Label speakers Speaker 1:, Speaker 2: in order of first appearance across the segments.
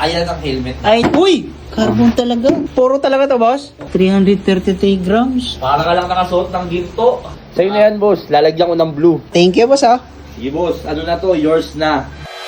Speaker 1: Ayan ang helmet.
Speaker 2: Ay, uy! Carbon talaga. Puro talaga to, boss? 333 grams.
Speaker 1: Para ka lang nakasuot ng ginto.
Speaker 3: Sa'yo na yan, boss. Lalagyan ko ng blue.
Speaker 2: Thank you, boss, ah.
Speaker 1: Sige boss, ano na to? Yours na.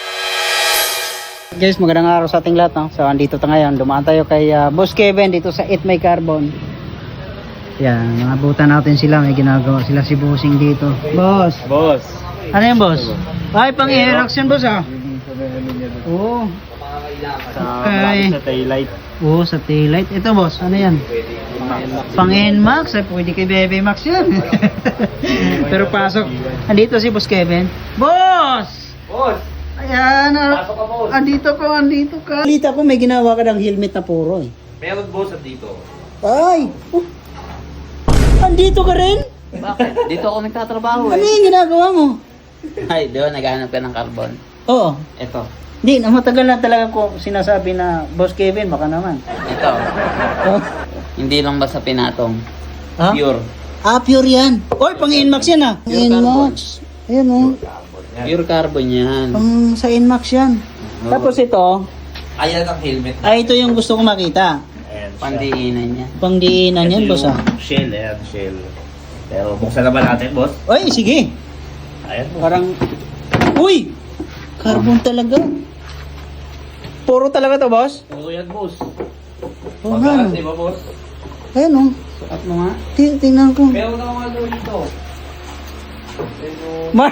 Speaker 2: Guys, magandang araw sa ating lahat, no? So, andito tayo ngayon. Dumaan tayo kay Boss Kevin dito sa Eat My Carbon. Yan, nakabutan natin sila. May ginagawa sila si Bossing dito. Boss!
Speaker 3: Boss.
Speaker 2: Ano yan, boss? Ay, pang-i-Aerox yan, boss, ah. Oo. Okay.
Speaker 3: Sa taillight.
Speaker 2: Oo, sa taillight. Ito, boss, ano yan? Pang-NMAX. Ay, pwede kay Bebe Max yan. Pero pasok. Andito si Boss Kevin. Boss!
Speaker 1: Boss!
Speaker 2: Ayan,
Speaker 1: Pasok ka, boss.
Speaker 2: andito ka. Balita ko may ginawa ka ng helmet na puro eh.
Speaker 1: Meron boss at dito.
Speaker 2: Ay! Andito ka rin?
Speaker 4: Bakit? Dito ako nagtatrabaho
Speaker 2: Ano
Speaker 4: eh.
Speaker 2: yung ginagawa mo?
Speaker 4: Ay, doon naghahanap ka ng carbon.
Speaker 2: Oo.
Speaker 4: Ito.
Speaker 2: Hindi, matagal na talaga ko sinasabi na Boss Kevin, baka naman.
Speaker 4: Ito.
Speaker 2: Oh.
Speaker 4: Hindi lang basta pinatong.
Speaker 2: Ha?
Speaker 4: Pure.
Speaker 2: Ah, pure yan. Oy, pang Inmax yan ah.
Speaker 4: Pure
Speaker 2: Inmax. Ayan oh.
Speaker 4: Pure carbon yan.
Speaker 2: Pang sa Inmax yan.
Speaker 4: Oo.
Speaker 2: Tapos ito,
Speaker 1: Ayan ang helmet.
Speaker 2: ay ito yung gusto ko makita.
Speaker 1: Ayan siya.
Speaker 4: Pandiinan yan.
Speaker 2: Pangdiinan yan,
Speaker 1: Ito
Speaker 2: boss
Speaker 1: yung
Speaker 2: ah.
Speaker 1: Shell, ayan, shell. Pero buksan na ba natin, boss?
Speaker 2: Oy, sige.
Speaker 1: Ayan, boss.
Speaker 2: Parang, uy! Carbon talaga. Puro talaga to, boss?
Speaker 1: Puro yan, boss.
Speaker 2: Oo nga.
Speaker 1: Magalas, di ba, boss?
Speaker 2: Ayan oh.
Speaker 4: Sukat mo nga.
Speaker 2: Tingnan ko.
Speaker 1: Meron na mga ano dito. Pero,
Speaker 2: Ma-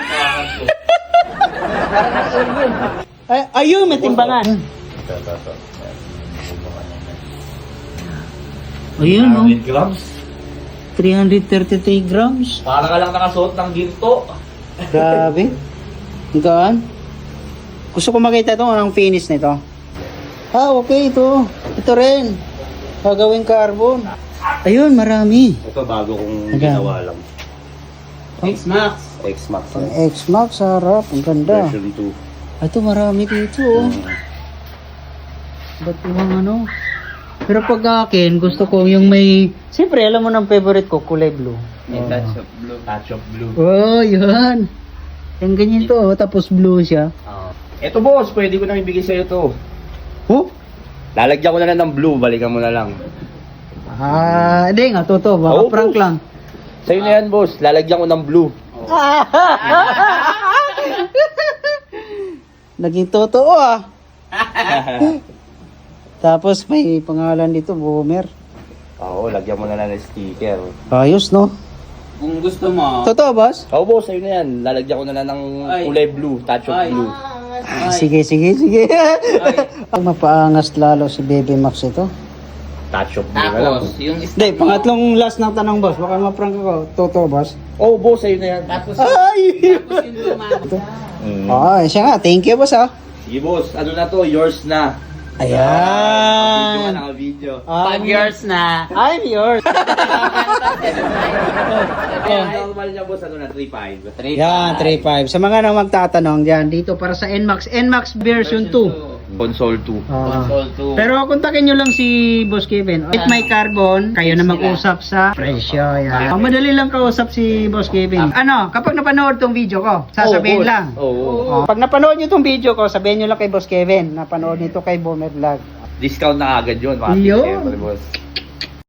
Speaker 2: Ay, ayun, may timbangan. Ayun oh.
Speaker 1: 100 grams.
Speaker 2: 333 grams.
Speaker 1: Para ka lang nakasuot ng ginto.
Speaker 2: Grabe. Gaan. Gusto ko makita ito, anong finish nito. Ah, okay, ito. Ito rin. Gagawing carbon. Ayun, marami.
Speaker 3: Ito bago kong
Speaker 2: Ayan.
Speaker 3: ginawa lang.
Speaker 4: X-Max.
Speaker 3: X-Max.
Speaker 2: Ang X-Max, harap. Ang ganda.
Speaker 3: Version 2.
Speaker 2: Ito, marami dito. Oh. Ba't yung ano? Pero pag akin, gusto ko yung may... Siyempre, alam mo ng favorite ko, kulay blue.
Speaker 4: May touch of blue.
Speaker 3: Touch of blue.
Speaker 2: Oh, yun. Yung ganyan to, oh, tapos blue siya.
Speaker 4: Oo.
Speaker 3: Ito, boss. Pwede ko nang ibigay sa'yo to.
Speaker 2: Oh?
Speaker 3: Lalagyan ko na lang ng blue. Balikan mo na lang.
Speaker 2: Ah, hindi nga, totoo. Baka
Speaker 3: Oo,
Speaker 2: prank
Speaker 3: boss.
Speaker 2: lang.
Speaker 3: Sa'yo na yan, boss. Lalagyan ko ng blue.
Speaker 2: Naging totoo ah. Tapos may pangalan dito, Boomer.
Speaker 3: Oo, lagyan mo na lang ng sticker.
Speaker 2: Ayos, no?
Speaker 4: Kung gusto mo,
Speaker 2: Totoo, boss?
Speaker 3: Oo, boss. Sa'yo na yan. Lalagyan ko na lang ng
Speaker 4: Ay.
Speaker 3: kulay blue. Touch of
Speaker 4: Ay.
Speaker 3: blue.
Speaker 2: Ah, sige. Ang mapaangas lalo si Baby Max ito.
Speaker 3: Touch of blue na lang.
Speaker 4: tapos yung
Speaker 2: Hindi, pangatlong last ng tanong, boss. Baka maprank ako. Totoo, boss?
Speaker 3: Oo, boss. Sa'yo na yan.
Speaker 4: tapos
Speaker 2: Ay!
Speaker 4: tapos yung luma.
Speaker 2: Ah, siya nga. Thank you, boss, ah.
Speaker 1: Sige, boss. Ano na to? Yours na.
Speaker 3: Video
Speaker 2: Ayan.
Speaker 3: ka naka-video.
Speaker 4: 5 years na.
Speaker 2: I'm yours.
Speaker 1: Ang normal niya, boss, ano na? 3.5.
Speaker 2: Yan, 3.5. Sa mga nang magtatanong, yan, dito para sa NMAX. NMAX version 2.
Speaker 3: Console 2.
Speaker 4: Console 2.
Speaker 2: Pero kontakin nyo lang si Boss Kevin. If may carbon, kayo na mag-usap sa presyo. Yan. Madali lang kausap si Boss Kevin. Ano, kapag napanood tong video ko, sasabihin lang.
Speaker 3: Oo.
Speaker 2: Pag napanood nyo tong video ko, sabihin nyo lang kay Boss Kevin. Napanood nito kay Boomer Vlog.
Speaker 3: Discount na agad yun. Mga
Speaker 2: Yun.
Speaker 3: siyempre, boss.